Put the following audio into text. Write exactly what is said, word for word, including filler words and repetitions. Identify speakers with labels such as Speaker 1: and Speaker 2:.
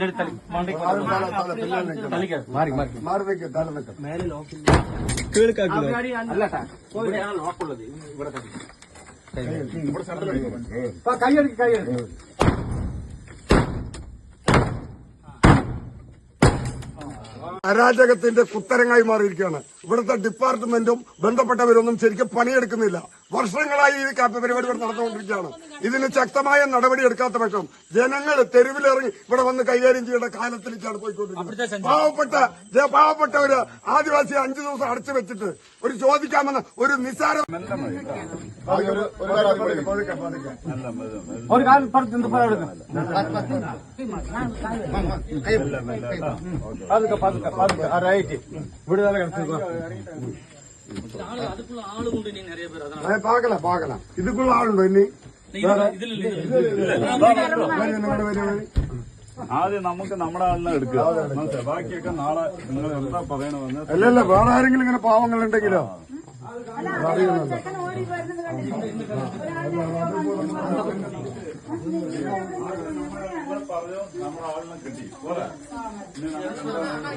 Speaker 1: മാറി മാറി മാറി നിൽക്കും തല നിൽക്കും മേലെ ലോക്കുള്ളത് ഇവിടെ കൈയെടുക്ക് കൈയെടുക്ക് അരാജകത്തിന്റെ കുത്തരങ്ങായി മാറിയിരിക്കുകയാണ്. ഇവിടുത്തെ ഡിപ്പാർട്ട്മെന്റും ബന്ധപ്പെട്ടവരൊന്നും ശരിക്കും പണിയെടുക്കുന്നില്ല. വർഷങ്ങളായി ഈ കാപ്പ പരിപാടികൾ നടന്നുകൊണ്ടിരിക്കുകയാണ്. ഇതിന് ശക്തമായ നടപടി എടുക്കാത്ത പക്ഷം ജനങ്ങൾ തെരുവിലിറങ്ങി ഇവിടെ വന്ന് കൈകാര്യം ചെയ്യേണ്ട കാലത്തിലേക്കാണ് പോയിക്കൊണ്ടിരിക്കുന്നത്. പാവപ്പെട്ട പാവപ്പെട്ട ഒരു ആദിവാസി അഞ്ചു ദിവസം അടച്ചു വെച്ചിട്ട് ഒരു ചോദിക്കാമെന്ന് ഒരു നിസ്സാര ഒരു കാലം പാകല പാകല ഇതുക്കുള്ള ആളുണ്ടോ ഇനി
Speaker 2: ആദ്യം നമുക്ക് നമ്മുടെ ആളിനെ എടുക്കുക. ബാക്കിയൊക്കെ നാളെ നിങ്ങൾ എന്താ പറയണമെന്ന്.
Speaker 1: അല്ലല്ല വേറെ ആരെങ്കിലും ഇങ്ങനെ പാവങ്ങളുണ്ടെങ്കിലോ
Speaker 2: പറഞ്ഞു നമ്മുടെ ആളിനെ കിട്ടി പോലെ